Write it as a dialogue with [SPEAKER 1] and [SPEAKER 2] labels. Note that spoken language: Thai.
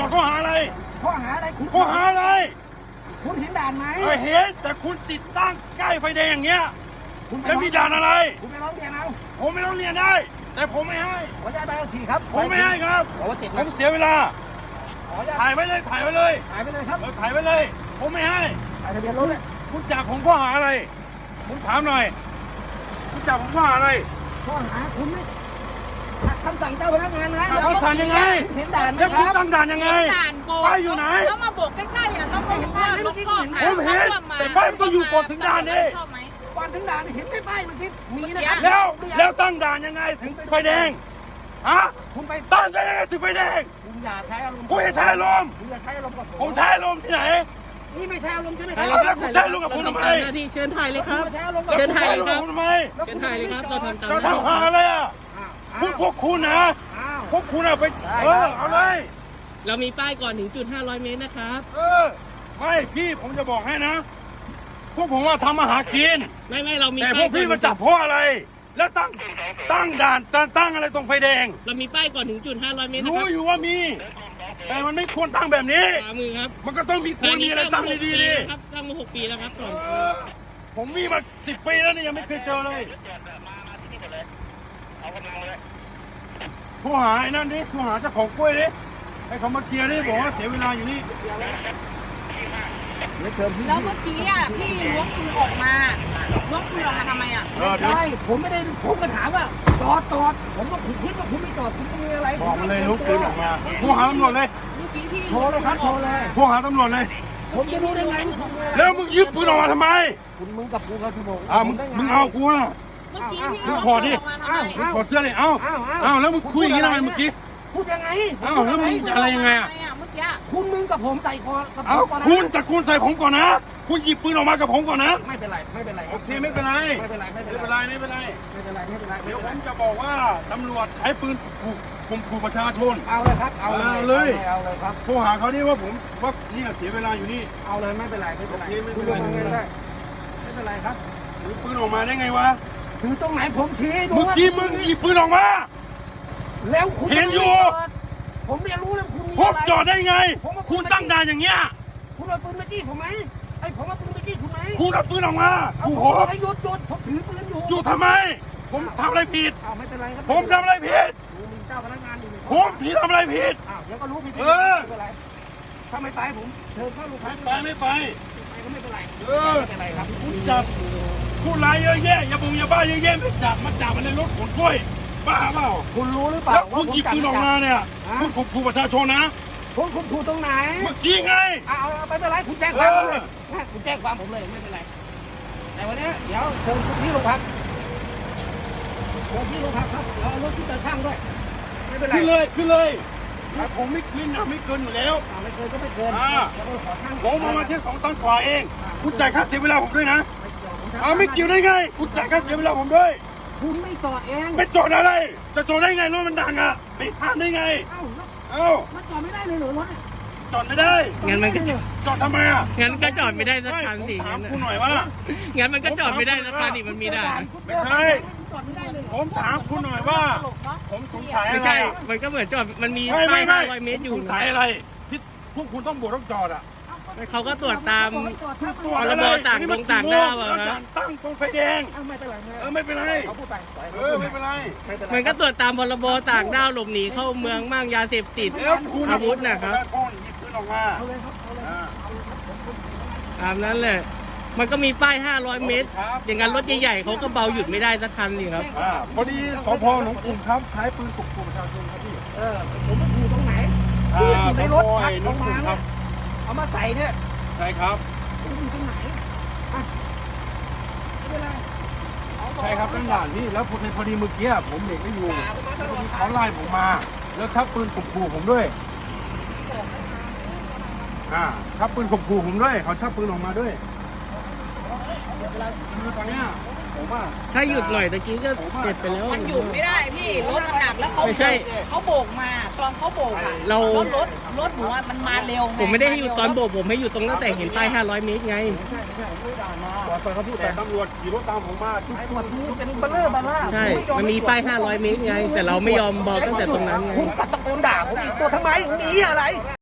[SPEAKER 1] อบข้อหาอะไร
[SPEAKER 2] ข้อหาอะไรคุณ
[SPEAKER 1] ข้อหาอะไร
[SPEAKER 2] คุณเห็นด่านไหม
[SPEAKER 1] เห็นแต่คุณติดตั้งใกล้ไฟแดงอย่างเงี้ย
[SPEAKER 2] คุณไป
[SPEAKER 1] แล้วมีด่านอะไร
[SPEAKER 2] คุณไปร้องเรียนเอา
[SPEAKER 1] ผมไม่ต้องเรียนได้ แต่ผมไม่ให้
[SPEAKER 2] ขออนุญาตใบขับขี่ครับ
[SPEAKER 1] ผมไม่ให้ครับ
[SPEAKER 2] ขอว่าติด
[SPEAKER 1] ผมเสียเวลา
[SPEAKER 2] ขออนุญาต
[SPEAKER 1] ถ่ายไว้เลยถ่ายไว้เลย
[SPEAKER 2] ถ่ายไปเลยครับ
[SPEAKER 1] ถ่ายไว้เลย ผมไม่ให้
[SPEAKER 2] ถ่ายทะเบียนรถเลย
[SPEAKER 1] คุณจับผมข้อหาอะไรผมถามหน่อยคุณจับผมข้อหาอะไร
[SPEAKER 2] ข้อหาคุณไม่ขัดคำสั่งเจ้าพนักงานนะ
[SPEAKER 1] ขัดคำสั่งยังไง
[SPEAKER 2] เห็นด่านไหม
[SPEAKER 1] แล้ว
[SPEAKER 2] ค
[SPEAKER 1] คุณ
[SPEAKER 2] รับ
[SPEAKER 1] ตั้งด่านยังไง
[SPEAKER 3] ด่านโบก
[SPEAKER 1] ป้ายอยู่ไหน
[SPEAKER 3] แล้วมาโบกใกล้ๆอ่ะต้องบอกว่ารถก็หา
[SPEAKER 1] ผมเห็นแต่ป้ายมันต้องอยู่ก่อนถึงด่านดิ
[SPEAKER 3] ชอบไหม
[SPEAKER 2] ก่อนถึงด่านเห็นไหมป้ายมันสิมีนะครับ
[SPEAKER 1] แล้วตั้งด่านยังไงถึงไฟแดงฮะ
[SPEAKER 2] คุณไป
[SPEAKER 1] ตั้งได้ยังไงถึงไฟแดง
[SPEAKER 2] คุณอย่าใช้อารมณ์
[SPEAKER 1] คุณจะใช้อารมณ์
[SPEAKER 2] คุณอย่าใช้อารมณ์กับ
[SPEAKER 1] ผมใช้อารมณ์ที่ไหน
[SPEAKER 2] นี่ไม่ใช่อารมณ์ใช่ไหมค
[SPEAKER 1] แล้
[SPEAKER 2] รับ
[SPEAKER 1] วคุณใช้อารมณ์กับผมทำไม
[SPEAKER 4] หน้าที่เชิญถ่ายเลยครับ
[SPEAKER 2] ณใช้อารมณ์
[SPEAKER 1] แล้ว
[SPEAKER 2] กับ
[SPEAKER 1] คุณใช้อารมณ์กับผมทำไม
[SPEAKER 4] เชิญถ่ายเลยครับเราทำตาม
[SPEAKER 1] จะ
[SPEAKER 4] หน้าที่
[SPEAKER 1] ทำหาอะไรอ่ะ
[SPEAKER 2] อ้าว
[SPEAKER 1] พวกคุณนะ
[SPEAKER 2] อ้าว
[SPEAKER 1] พวกคุณอะไปเอาเลย
[SPEAKER 4] เรามีป้ายก่อนถึงจุด500 เมตรนะครับ
[SPEAKER 1] ไม่พี่ผมจะบอกให้นะ พวกผมว่าทำมาหากิน
[SPEAKER 4] ไม่เรามี
[SPEAKER 1] แต่พ
[SPEAKER 4] ป้า
[SPEAKER 1] วย กพี่มาจับเพราะอะไร แล้วตั้งด่านตั้งอะไรตรงไฟแดง
[SPEAKER 4] เรามีป้ายก่อนถึงจุด500 เมตรนะ
[SPEAKER 1] รู้
[SPEAKER 4] ครับ
[SPEAKER 1] อยู่ว่ามี แต่มันไม่ควรตั้งแบบนี้
[SPEAKER 4] ขวามือครับ
[SPEAKER 1] มันก็ต้องมีควรมีอะไรตั้งดีๆดิ
[SPEAKER 4] ครับตั้งมา6 ปีแล้วครับก่อน
[SPEAKER 1] ผมมีมา10 ปีแล้วนี่ยังไม่เคยเจอเลยโทรหาไอ้นั่นดิโทรหาเจ้าของกล้วยดิให้เขามาเคลียร์ดิบอกว่าเสียเวลาอยู่นี่
[SPEAKER 2] เดี๋ยวเชิญพี่
[SPEAKER 3] แล้วเมื่อกี้อ่ะพี่ล้วงปืนออกมาล้วงปืนออกมาทำไมอ่ะ
[SPEAKER 1] เดี๋ยว
[SPEAKER 2] ใช่ผมไม่ได้ผมก็ถามว่าจอดผมก็คิดว่าคุณไม่จอดคุณมีอะไร
[SPEAKER 1] บอกมันเลยลุกปืนออกมาโทรหาตำรวจเลย
[SPEAKER 3] เมื่อกี้พี่
[SPEAKER 2] โทรเลยครับโทรเลย
[SPEAKER 1] โทรหาตำรวจเลย
[SPEAKER 2] ผมจะรู้ได้ไง
[SPEAKER 1] แล้วมึงยึดปืนออกมาทำไม
[SPEAKER 2] มึงกับกูเขาชั่วโมง
[SPEAKER 1] มึงเอากูอ่ะ
[SPEAKER 3] เมื่อกี้พี่
[SPEAKER 1] มึงถอดดิ
[SPEAKER 3] ออกมาทำไม
[SPEAKER 1] มึงถอดเสื้อดิเอ้าแล้วมึงคุยอย่างนี้ทำไมเมื่อกี้
[SPEAKER 2] พูดยังไง
[SPEAKER 1] แล้วมึงอะไรยังไงอ่ะ
[SPEAKER 3] ทำมเมื่อกี้
[SPEAKER 2] มึงกับผมใส่คอกับผ
[SPEAKER 1] เอ้าม
[SPEAKER 2] ก่อนนะ
[SPEAKER 1] คุณแต่คุณใส่ผมก่อนนะ คุณหยิบปืนออกมากับผมก่อนนะ
[SPEAKER 2] ไม่เป็นไรไม่เป็นไร
[SPEAKER 1] โอเคไม่เป็นไร
[SPEAKER 2] ไม่เป็นไรไม่
[SPEAKER 1] ไม่
[SPEAKER 2] เป็น
[SPEAKER 1] เป็น
[SPEAKER 2] ไร
[SPEAKER 1] ไรไม่เป็นไร
[SPEAKER 2] ไม่เป็นไรไม่เป็นไร
[SPEAKER 1] เดี๋ยวผมจะบอกว่าตำรวจใช้ปืนข่มขู่ประชาชน
[SPEAKER 2] เอาเลยครับเอาเลยครับ
[SPEAKER 1] โทรหาเขาดิว่าผมว่าเนี่ยเสียเวลาอยู่นี่
[SPEAKER 2] เอาเลยไม่เป็นไรไม่เป็นไร
[SPEAKER 1] โอเคไม่เป็
[SPEAKER 2] คุณ
[SPEAKER 1] น
[SPEAKER 2] ล
[SPEAKER 1] ไร
[SPEAKER 2] งมาเงินได้ไม่เป็นไรครับ
[SPEAKER 1] ถือปืนออกมาได้ไงวะ
[SPEAKER 2] ถือตรงไหนผมชี้ดู
[SPEAKER 1] เมื่อกี้มึงหยิบปืนออกมา
[SPEAKER 2] แล้วคุณ
[SPEAKER 1] เห็นอยู่
[SPEAKER 2] ผมไม่รู้แล้วคุณมี
[SPEAKER 1] พบ
[SPEAKER 2] อะไร
[SPEAKER 1] จอดได้ไง คุณตั้งด่านอย่างเงี้ย
[SPEAKER 2] คุณเอาปืนมาจี้ผมไหมไอ้ผมเอาปืนมาจี้คุณไหม
[SPEAKER 1] คุณเอาปืนออกมา
[SPEAKER 2] เอา
[SPEAKER 1] โอ้
[SPEAKER 2] ผ
[SPEAKER 1] โห
[SPEAKER 2] มให้หยุดผมถือปืนอยู่
[SPEAKER 1] อยู่ทำไม ผมทำอะไรผิด
[SPEAKER 2] อ้าวไม่เป็นไรครับ
[SPEAKER 1] ผมทำอะไรผิด
[SPEAKER 2] มีเจ้าพนักงานอยู่
[SPEAKER 1] ผมผิดทำอะไรผิด
[SPEAKER 2] อ้าวเดี๋ยวก็รู้ผิด
[SPEAKER 1] เออ
[SPEAKER 2] ไม่เป็นไรถ้าไม่ไปผมเชิญเข้าโรงพัก
[SPEAKER 1] ไปไม่ไป
[SPEAKER 2] ไปก็ไม่เป็นไร
[SPEAKER 1] เออ
[SPEAKER 2] ไม่เป็นไรครับ
[SPEAKER 1] คุณจับผู้ร้ายเยอะแยะอย่าบุงอย่าบ้าเยอะแยะไม่จับมาจับมันในรถขนกล้วยบ้าเปล่า
[SPEAKER 2] คุณรู้หรือเปล่า
[SPEAKER 1] แล้วคุณหยิบปืนออกมาเนี่ยคุณข่มขู่ประชาชนนะ
[SPEAKER 2] คุณถูกตรงไหน
[SPEAKER 1] เมื่อกี้ไง
[SPEAKER 2] เอาไม่เป็นไรคุณแจ้งความผมเลยคุณแจ้งความผมเลยไม่เป็นไรแต่วันนี้เดี๋ยวเชิญที่โรงพักเชิญที่โรงพักครับเดี๋ยวเอารถที่จะช่างด้วยไม่เป็นไร
[SPEAKER 1] ขึ้นเลยขึ้นเลยถ้าผมไม่ขึ้นนะไม่เกินอยู่แล้ว
[SPEAKER 2] ไม่เกินก็ไม่เกิน
[SPEAKER 1] อ่า
[SPEAKER 2] เดี๋ยวขอช่าง
[SPEAKER 1] ผมเอามาแค่2 ตันกว่าเอง คุณจ่ายค่าเสียเวลาผมด้วยนะไม่เกี่ยวได้ไง คุณจ่ายค่าเสียเวลาผมด้วย
[SPEAKER 2] คุณไม่จอดเอง
[SPEAKER 1] ไปจอดอะไร จะจอดได้ไงรถมันดังอ่ะไม่ห้ามได้ไง
[SPEAKER 2] เอ้าแล้ว
[SPEAKER 1] เอ้า
[SPEAKER 2] มันจอดไม่ได้เลยเหรอรถ
[SPEAKER 1] จอดไม่ได้
[SPEAKER 4] งั้นมันก็
[SPEAKER 1] จอดทำไมอ่ะ
[SPEAKER 4] งั้นก็จอดไม่ได้สัก
[SPEAKER 1] ไม่
[SPEAKER 4] คัน
[SPEAKER 1] ผม
[SPEAKER 4] สิ
[SPEAKER 1] ถามคุณหน่อยว่า
[SPEAKER 4] งั้นมันก็จอดไม่ได้สักคันดิมันมีด่าน
[SPEAKER 1] ไม่ใช่
[SPEAKER 2] จอดไม่ได้เลยเหรอ
[SPEAKER 1] ผมถามคุณหน่อยว่า
[SPEAKER 3] ตลกเนาะ
[SPEAKER 1] ผมสงสัย
[SPEAKER 4] ไม่
[SPEAKER 1] อะไร
[SPEAKER 4] ใช่
[SPEAKER 1] อะ
[SPEAKER 4] มันก็เหมือนจอดมันมี
[SPEAKER 1] ไม่
[SPEAKER 4] ป้าย500 เมตรอยู่
[SPEAKER 1] สงสัยอะไรที่พวกคุณต้องบวกต้องจอดอ่ะ
[SPEAKER 4] เขาก็ตรวจตาม
[SPEAKER 1] ตรวจ
[SPEAKER 4] พร
[SPEAKER 1] อะไร
[SPEAKER 4] บต่างดงต่างด้าวอะ
[SPEAKER 1] แล้ว
[SPEAKER 4] นะ
[SPEAKER 1] ด่านตั้งตรงไฟแดง
[SPEAKER 2] ไม่เป็นไร
[SPEAKER 1] ไม่เป็นไร
[SPEAKER 2] เขาพูดไป
[SPEAKER 1] ไม่เป็นไร
[SPEAKER 2] ไม่เป็นไร
[SPEAKER 4] มันก็ตรวจตามพรบต่างด้าวหลบหนีเข้าเมืองมั่งยาเสพติด
[SPEAKER 1] แล้วคุณ
[SPEAKER 4] อาวุธนะครับ
[SPEAKER 1] หยิบปืนออกมา
[SPEAKER 2] เอาเลยครับเอาเลย
[SPEAKER 1] อ่า
[SPEAKER 4] ตามนั้นเลย มันก็มีป้าย 500 เมตร อย่างนั้นรถใหญ่ๆเขาก็เบาหยุดไม่ได้สักคันสิครับ
[SPEAKER 1] พอดีสพหนองกรุงครับใช้ปืนข่มขู่ประชาชนครับพี่
[SPEAKER 2] ผมไม่อยู่ตรงไหน
[SPEAKER 1] ส
[SPEAKER 2] ใน
[SPEAKER 1] พ
[SPEAKER 2] รถ
[SPEAKER 1] ไอ้หนองกรุงครับ
[SPEAKER 2] เอามาใส่เนี่ย
[SPEAKER 1] ใช่ครับ
[SPEAKER 2] คุณอยู่ตรงไหนไม่เป็นไร
[SPEAKER 1] ใช่ครับตั้งด่านนี่แล้วพอดีเมื่อกี้ผมเด็กไม่อยู่แล้วพอดีเขาไล่ผมมา แล้วชักปืนข่มขู่ผมด้วยชักปืนข่มขู่ผมด้วยเขาชักปืนออกมาด้วยคือตอนเนี้ยผมว่า
[SPEAKER 4] ถ้าหยุดหน่อยตะกี้ก็เจ็บไปแล้ว
[SPEAKER 3] มันหยุดไม่ได้พี่รถมันหนักแล้วเขา
[SPEAKER 4] ไม่ใช่
[SPEAKER 3] เขาโบกมาตอนเขาโบกอ่ะ
[SPEAKER 4] เรา
[SPEAKER 3] รถหนูอะมันมาเร็วง
[SPEAKER 4] ผมไม่ได้ให้หยุดตอนโบกผมให้หยุดตรงตั้งแต่เห็นป้าย 500 เมตรไง
[SPEAKER 1] ไปเขาพูดแต่ตำรวจขี่รถตามผมมา
[SPEAKER 2] ตรวจดูเป็นเบลเลอร์บาร่า
[SPEAKER 4] ใช่ มันมีป้าย 500 เมตรไง แต่เราไม่ยอมบอกตั้งแต่ตรงนั้นไง
[SPEAKER 2] คุณกัดตะโกนด่าผมอีกตัวทำไมมีอะไร